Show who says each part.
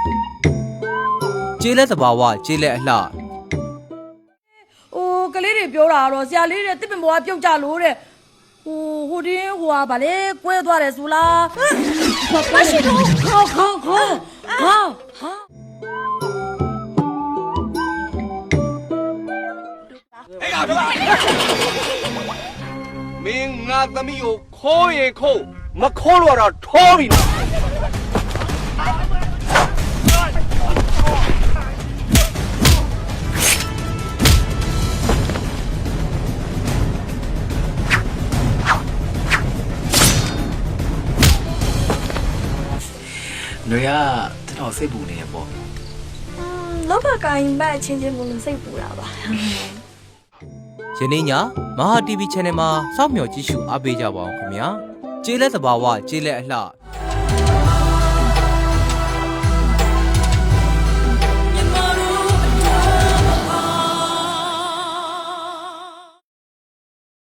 Speaker 1: ကျေးလက်သဘာဝကျေးလက်အလှ
Speaker 2: ဟိုကလေးတွေပြောတာတော့ဆရာလေးတဲ့တစ်ပင်ပေါ်ကပြုတ်ကြလို့တဲ့ဟိုတင်းဟိုဟာဗာလေကွဲသွားတယ်ဆိုလားမရှိတော့ခေါဟာ
Speaker 3: မင်းငါသမီးကိုခိုးရင်ခိုးမခိုးလို့တော့ထိုးပြီနော်
Speaker 4: 女呀，这套谁补呢？不？
Speaker 5: လောဘကိုင်းဘက်ချင်းချင်းမလို့စိတ်ပူတာပါ
Speaker 1: ယနေ့ညမဟာ TV Channel မှာစောင့်မျှော်ကြည့်ရှုအားပေးကြပါအောင်ခင်ဗျာကျေးလက်သဘာဝကျေးလက်အလှ